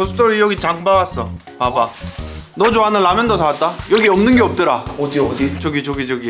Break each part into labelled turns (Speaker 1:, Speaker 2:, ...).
Speaker 1: 보스토리 여기 장 봐왔어. 봐봐. 너 좋아하는 라면도 사왔다. 여기 없는 게 없더라.
Speaker 2: 어디?
Speaker 1: 저기.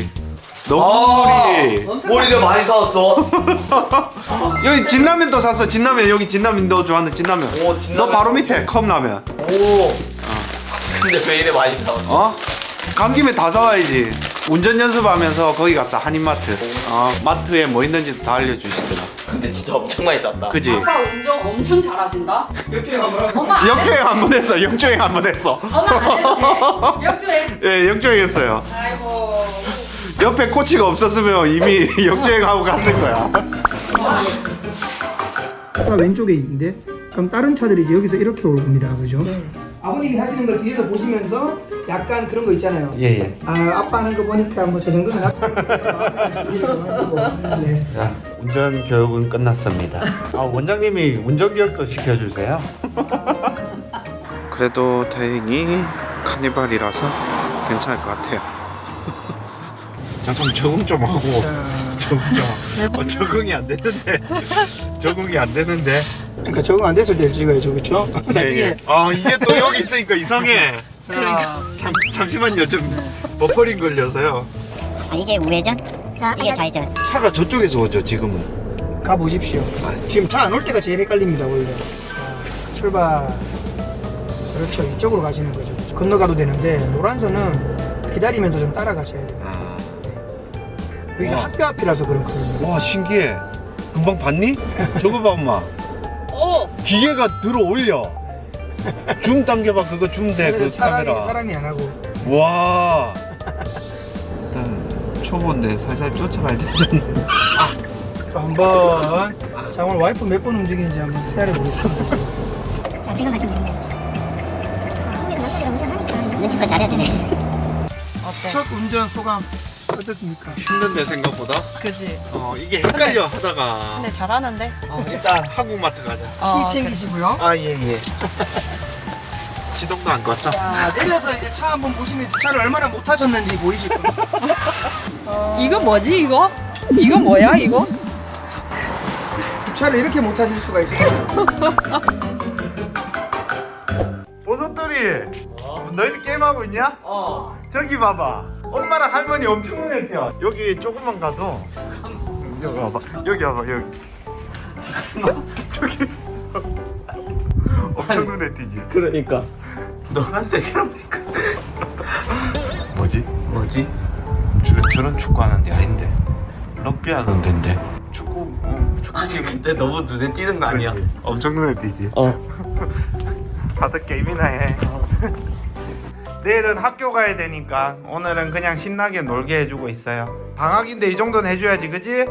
Speaker 1: 너구리.
Speaker 2: 머리를 많이 사왔어.
Speaker 1: 여기 진라면도 샀어. 진라면 여기 진라면 너 좋아하는 진라면.
Speaker 2: 오, 진라면.
Speaker 1: 너 바로 밑에 컵라면.
Speaker 2: 오. 근데 왜 이래 많이 사왔어?
Speaker 1: 어? 간 김에 다 사와야지. 운전 연습하면서 거기 갔어. 한인마트. 마트에 뭐 있는지 다 알려주시더라.
Speaker 2: 근데 진짜 엄청 많이 샀다.
Speaker 1: 그지?
Speaker 3: 아빠 운전 엄청 잘하신다.
Speaker 2: 역주행 한번 하고.
Speaker 3: 엄마 안 해도
Speaker 1: 역주행 한 번 했어. 역주행 한 번 했어.
Speaker 3: 엄마 안 해도 돼. 역주행.
Speaker 1: 예, 역주행했어요.
Speaker 3: 아이고.
Speaker 1: 옆에 코치가 없었으면 이미 역주행하고 갔을 거야.
Speaker 4: 아까 왼쪽에 있는데 그럼 다른 차들이 이제 여기서 이렇게 올 겁니다. 그죠? 아버님이 하시는 걸 뒤에서 보시면서 약간 그런 거 있잖아요.
Speaker 1: 예.
Speaker 4: 아빠 하는 거 보니까 뭐 저 정도는 네.
Speaker 1: 자, 운전 교육은 끝났습니다. 원장님이 운전 교육도 시켜주세요. 그래도 다행히 카니발이라서 괜찮을 것 같아요. 잠깐 적응 좀 하고. 적응 좀. 적응이 안 되는데. 적응이 안 되는데.
Speaker 4: 그러니까 적응 안 됐을 때 찍어야죠, 그렇죠? 나중에
Speaker 1: 이게 또 여기 있으니까 이상해.
Speaker 4: 자,
Speaker 1: 잠시만요, 좀 버퍼링 걸려서요.
Speaker 5: 이게 우회전, 이게 좌회전.
Speaker 1: 차가 저쪽에서 오죠, 지금은.
Speaker 4: 가 보십시오. 지금 차 안 올 때가 제일 헷갈립니다, 원래. 자, 출발. 그렇죠, 이쪽으로 가시는 거죠. 건너가도 되는데 노란선은 기다리면서 좀 따라가셔야 돼요. 여기가
Speaker 1: 와.
Speaker 4: 학교 앞이라서 그렇거든요.
Speaker 1: 와, 신기해. 금방 봤니? 저거 봐, 엄마. 기계가 들어올려. 줌 당겨봐, 그거 줌돼, 그 카메라.
Speaker 4: 사람이 안 하고.
Speaker 1: 와. 일단 초보인데 살살 쫓아가야 되잖아.
Speaker 4: 또 한번. 자, 오늘 와이프 몇 번 움직이는지 한번 세알해 보겠습니다.
Speaker 5: 자, 지금 가시면 됩니다. 눈치껏 잘해야 되네.
Speaker 4: 첫 운전 소감 어떻습니까?
Speaker 1: 힘든데 생각보다.
Speaker 3: 그지.
Speaker 1: 이게 헷갈려 하다가.
Speaker 3: 근데 잘하는데.
Speaker 1: 일단 한국마트 가자.
Speaker 4: 키 챙기시고요.
Speaker 1: 예. 시동도 안 껐어.
Speaker 4: 자, 내려서 이제 차 한번 보시면 주차를 얼마나 못 하셨는지 보이실 겁니다.
Speaker 3: 이거 뭐지 이거? 이거 뭐야 이거?
Speaker 4: 주차를 이렇게 못 하실 수가 있어요.
Speaker 1: 버섯돌이. 너희들 게임하고 있냐? 저기 봐봐. 엄마랑 할머니 엄청 눈에 띄어. 여기 조금만 가도. 여기 봐봐. 여기. 잠깐만. 저기. 엄청 눈에 띄지.
Speaker 2: 그러니까.
Speaker 1: 노란색이랑 핑크. 뭐지? 저런 축구 하는 데 아닌데. 럭비 하는 데인데. 축구
Speaker 2: 아니 근데 너무 눈에 띄는 거 아니야?
Speaker 1: 엄청 눈에 띄지. 다들 게임이나 해. 내일은 학교 가야 되니까 오늘은 그냥 신나게 놀게 해주고 있어요. 방학인데 이 정도는 해줘야지, 그지?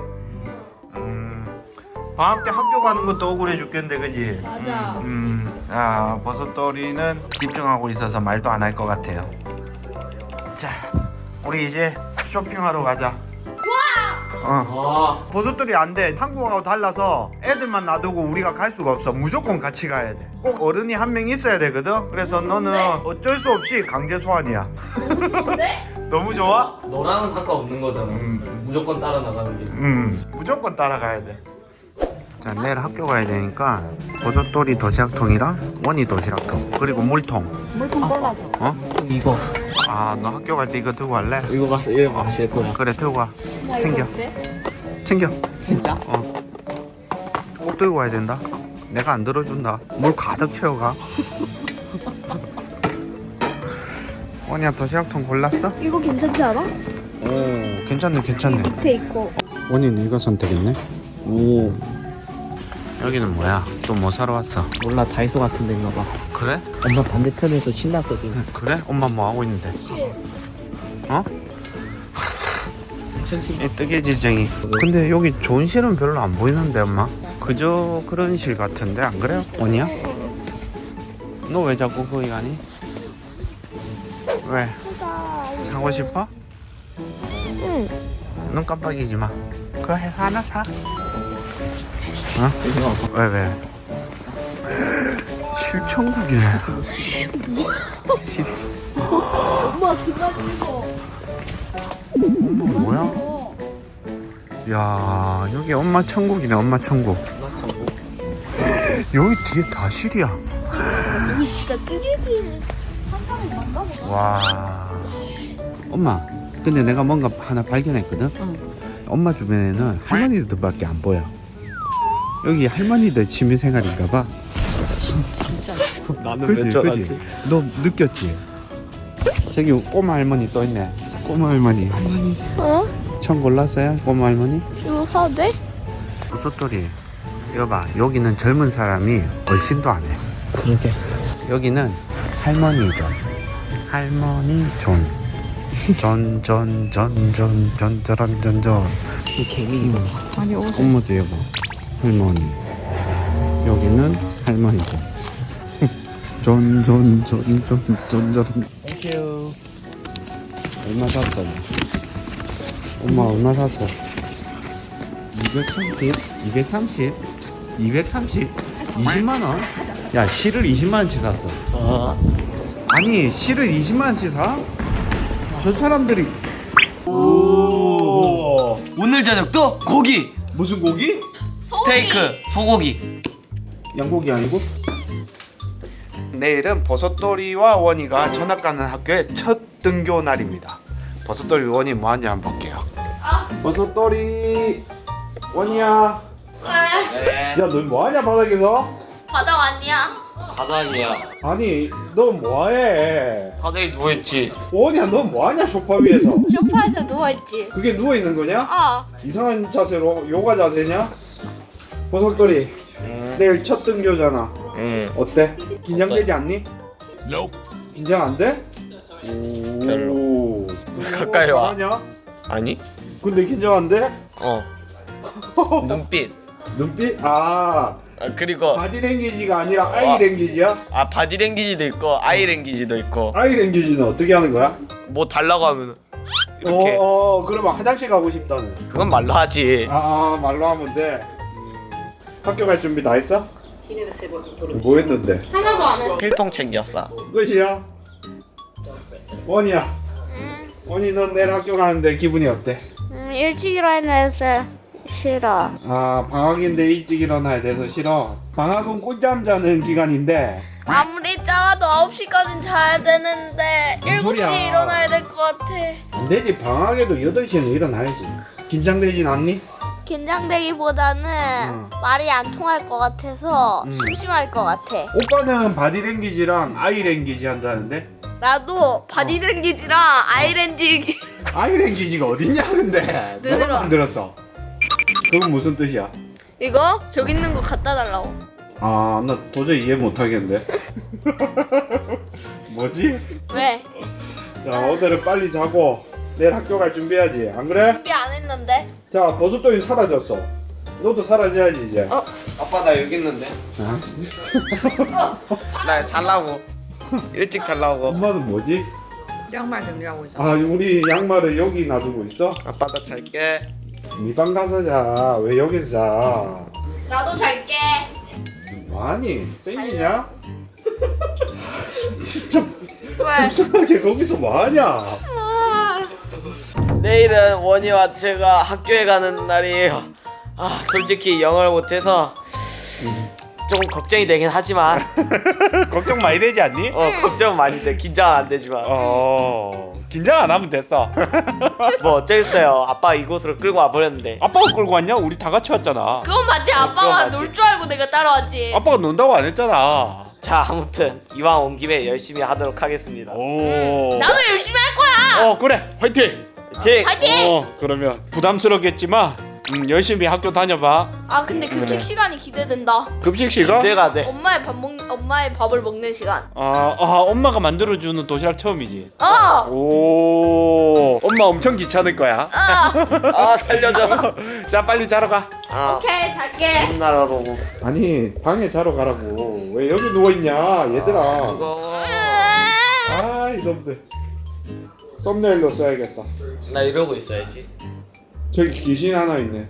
Speaker 1: 방학 때 학교 가는 것도 억울해 죽겠는데, 그지? 맞아. 버섯돌이는 집중하고 있어서 말도 안 할 것 같아요. 자, 우리 이제 쇼핑하러 가자. 버섯돌이 안 돼. 한국하고 달라서 애들만 놔두고 우리가 갈 수가 없어. 무조건 같이 가야 돼. 꼭 어른이 한 명 있어야 되거든. 그래서 너는 어쩔 수 없이 강제 소환이야. 너무 좋아?
Speaker 2: 너랑은 상관없는 거잖아. 무조건 따라 나가는 게.
Speaker 1: 무조건 따라가야 돼. 자, 내일 학교 가야 되니까 버섯돌이 도시락통이랑 원이 도시락통 그리고 물통.
Speaker 3: 물통 골라서.
Speaker 2: 이거
Speaker 1: 너 학교 갈 때 이거 들고 갈래?
Speaker 2: 이거 가서 이거 마실 거야.
Speaker 1: 그래, 들고 와. 챙겨.
Speaker 2: 진짜?
Speaker 1: 꼭 들고 와야 된다. 내가 안 들어준다. 물 가득 채워가. 원이야, 도시락통 골랐어?
Speaker 6: 이거 괜찮지 않아?
Speaker 1: 오, 괜찮네.
Speaker 6: 밑에 있고.
Speaker 1: 원이는 이거 선택했네. 오. 여기는 뭐야? 또 뭐 사러 왔어?
Speaker 2: 몰라 다이소 같은 데인가 봐.
Speaker 1: 그래?
Speaker 2: 엄마 반대편에서 신났어 지금.
Speaker 1: 그래? 엄마 뭐 하고 있는데? 어? 이 뜨개질쟁이. 근데 여기 좋은 실은 별로 안 보이는데, 엄마? 그저 그런 실 같은데, 안 그래요? 원이야? 너 왜 자꾸 거기 가니? 왜? 사고 싶어?
Speaker 6: 응.
Speaker 1: 눈 깜빡이지 마. 그거 해서 하나 사. 어? 왜? 실천국이네.
Speaker 6: 엄마 그만 읽어.
Speaker 1: 엄마 뭐야? 야, 여기 엄마 천국이네. 엄마 천국. 여기 뒤에 다 실이야.
Speaker 6: 진짜 뜨개질 한 사람이 많가 보다.
Speaker 1: 와.
Speaker 7: 엄마, 근데 내가 뭔가 하나 발견했거든. 엄마 주변에는 할머니들밖에 안 보여. 여기 할머니들 취미생활인가봐.
Speaker 2: 진짜. 나는
Speaker 7: 그지, 그지. 너 느꼈지? 저기 꼬마 할머니 또 있네. 꼬마 할머니.
Speaker 6: 어?
Speaker 7: 천 골랐어요, 꼬마 할머니?
Speaker 6: 이거 사도 돼?
Speaker 7: 버섯돌이. 이거 봐, 여기는 젊은 사람이 얼씬도 안 해.
Speaker 2: 그러게.
Speaker 7: 여기는 할머니 존. 할머니 존. 전전전전전전전전.
Speaker 2: 이 개미.
Speaker 3: 아니 옷을.
Speaker 7: 엄마도 여보. 할머니. 여기는 할머니 존. 전전전전전전.
Speaker 2: 땡큐.
Speaker 7: 얼마 샀어? 엄마 얼마 샀어? 230? 230? 230? 20만원? 야 실을 20만원치 샀어. 아니 실을 20만원치 사? 저 사람들이
Speaker 8: 오늘 저녁도 고기
Speaker 1: 무슨 고기?
Speaker 8: 스테이크 소고기.
Speaker 7: 양고기 아니고?
Speaker 1: 내일은 버섯돌이와 원이가 전학 가는 학교의 첫 등교 날입니다. 버섯돌이 원이 뭐 하는지 한번 볼게요. 버섯돌이 원이야. 야, 너 뭐 하냐 바닥에서?
Speaker 3: 바닥 아니야?
Speaker 8: 바닥이야.
Speaker 1: 아니, 너 뭐해?
Speaker 8: 바닥에 누워있지.
Speaker 1: 원이야, 너 뭐하냐 소파 위에서?
Speaker 6: 소파에서 누워있지.
Speaker 1: 그게 누워 있는 거냐?
Speaker 6: 어.
Speaker 1: 이상한 자세로 요가 자세냐? 버섯돌이 내일 첫 등교잖아.
Speaker 8: 응.
Speaker 1: 어때? 긴장되지 않니? 긴장 안 돼?
Speaker 8: 별로. 가까이 와.
Speaker 1: 하냐?
Speaker 8: 아니?
Speaker 1: 근데 긴장 안 돼?
Speaker 8: 어. 눈빛.
Speaker 1: 눈빛? 아,
Speaker 8: 그리고
Speaker 1: 바디랭귀지가 아니라 아이랭귀지야?
Speaker 8: 바디랭귀지도 있고 아이랭귀지도 있고.
Speaker 1: 아이랭귀지는 어떻게 하는 거야?
Speaker 8: 뭐 달라고 하면 이렇게.
Speaker 1: 그러면 화장실 가고 싶다는.
Speaker 8: 그건 말로 하지.
Speaker 1: 말로 하면 돼. 학교 갈 준비 다 했어? 뭐 했는데?
Speaker 6: 하나도 안 했어.
Speaker 8: 필통 챙겼어.
Speaker 1: 끝이야? 원이야. 원이 넌 내일 학교 가는데 기분이 어때?
Speaker 6: 일찍 일어나서 싫어.
Speaker 1: 방학인데 일찍 일어나야 돼서 싫어. 방학은 꿀잠 자는 기간인데
Speaker 6: 아무리 작아도 9시까지는 자야 되는데
Speaker 1: 무슨 소리야.
Speaker 6: 7시에 일어나야 될 것 같아.
Speaker 1: 안 되지. 방학에도 8시에는 일어나야지. 긴장되진 않니?
Speaker 6: 긴장되기보다는 말이 안 통할 것 같아서 심심할 것 같아.
Speaker 1: 오빠는 바디랭귀지랑 아이랭귀지 한다는데?
Speaker 6: 나도 바디랭귀지랑 아이랭귀지.
Speaker 1: 아이랭귀지가 어딨냐 근데? 누가
Speaker 6: 눈으로.
Speaker 1: 만들었어? 그건 무슨 뜻이야?
Speaker 6: 이거 저기 있는 거 갖다 달라고.
Speaker 1: 나 도저히 이해 못하겠는데. 뭐지?
Speaker 6: 왜?
Speaker 1: 자, 오늘은 빨리 자고 내일 학교 갈 준비해야지. 안 그래?
Speaker 6: 준비 안 했는데.
Speaker 1: 자, 버섯돌이 사라졌어. 너도 사라져야지 이제.
Speaker 8: 아빠 나 여기 있는데. 나 잘라고. 일찍 잘라고.
Speaker 1: 엄마는 뭐지?
Speaker 3: 양말 정리하고 있어.
Speaker 1: 우리 양말을 여기 놔두고 있어?
Speaker 8: 아빠 나 잘게.
Speaker 1: 네 방 가서 자. 왜 여기서 자?
Speaker 6: 나도 잘게.
Speaker 1: 아니, 생기냐? 진짜
Speaker 6: 왜?
Speaker 1: 불쌍하게 거기서 뭐하냐?
Speaker 8: 내일은 원이와 제가 학교에 가는 날이에요. 솔직히 영어를 못해서 좀 걱정이 되긴 하지만
Speaker 1: 걱정 많이 되지 않니?
Speaker 8: 걱정 많이 돼. 긴장은 안 되지만
Speaker 1: 긴장 안 하면 됐어.
Speaker 8: 뭐 어쩌겠어요. 아빠 이곳으로 끌고 와버렸는데.
Speaker 1: 아빠가 끌고 왔냐? 우리 다 같이 왔잖아.
Speaker 6: 그건 맞지.
Speaker 8: 그건
Speaker 6: 아빠가
Speaker 8: 맞지.
Speaker 6: 놀 줄 알고 내가 따라왔지.
Speaker 1: 아빠가 논다고 안 했잖아.
Speaker 8: 자, 아무튼 이왕 온 김에 열심히 하도록 하겠습니다.
Speaker 6: 나도 열심히 할 거야.
Speaker 1: 그래, 화이팅!
Speaker 8: 화이팅!
Speaker 6: 파이팅!
Speaker 1: 그러면 부담스럽겠지만 열심히 학교 다녀봐.
Speaker 6: 근데 급식 시간이 기대된다.
Speaker 1: 급식 시간?
Speaker 8: 기대가 돼.
Speaker 6: 엄마의 밥을 먹는 시간.
Speaker 1: 엄마가 만들어주는 도시락 처음이지.
Speaker 6: 어.
Speaker 1: 엄마 엄청 귀찮을 거야.
Speaker 8: 살려줘.
Speaker 1: 자, 빨리 자러 가.
Speaker 6: 오케이, 잘게.
Speaker 8: 홈나라로.
Speaker 1: 아니, 방에 자러 가라고. 왜 여기 누워있냐, 얘들아.
Speaker 8: 무거워.
Speaker 1: 이놈들. 썸네일로 써야겠다.
Speaker 8: 나 이러고 있어야지.
Speaker 1: 저기 귀신 하나 있네.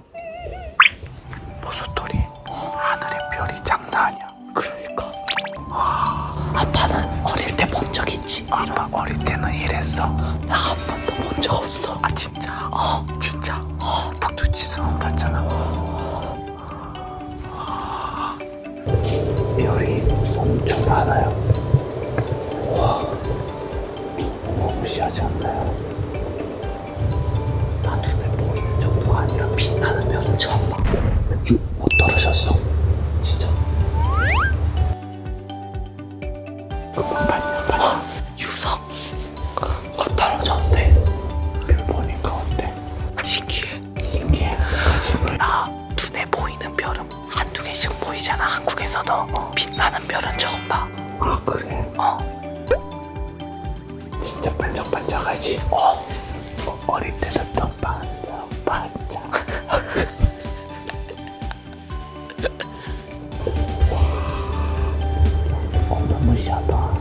Speaker 7: 버섯돌이 하늘의 별이 장난 아니야.
Speaker 2: 그러니까. 아빠는 어릴 때 본 적 있지?
Speaker 7: 아빠 어릴 때는 이랬어.
Speaker 2: 나 한 번도 본 적 없어.
Speaker 7: 진짜? 진짜? 북두치성 봤잖아. 별이 엄청 많아요.
Speaker 2: 유성 떨어졌대. 별 보니까 어때? 신기해. 나 눈에 보이는 별은 한두 개씩 보이잖아. 한국에서도 빛나는 별은 처음 봐. 아 그래? 진짜 반짝반짝하지? 어릴 때는 더 반짝반짝. 어마무시하다.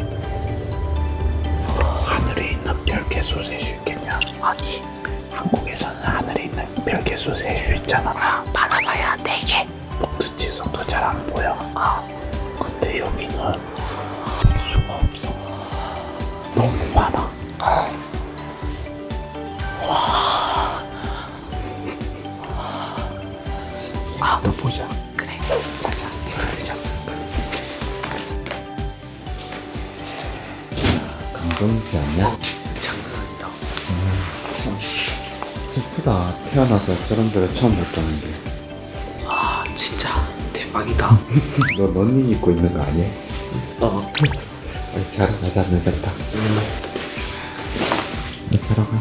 Speaker 2: 하늘에 있는 별 개수 셀 수 있겠냐? 아니, 한국에서는 하늘에 있는 별 개수 셀 수 있잖아. 많아봐야 4개. 목수 지성도 잘 안 보여. 근데 여기는 셀 수가 없어. 너무 많아. 또 보자. 그래. 자자, 시간이 잤어.
Speaker 7: 감동이지 않냐?
Speaker 2: 장난한다.
Speaker 7: 슬프다. 태어나서 저런 별을 처음 봤다는 게.
Speaker 2: 아, 진짜 대박이다.
Speaker 7: 너 런닝 입고 있는 거 아니야? 빨리 자러 가자. 늦었다. 너 자러 가.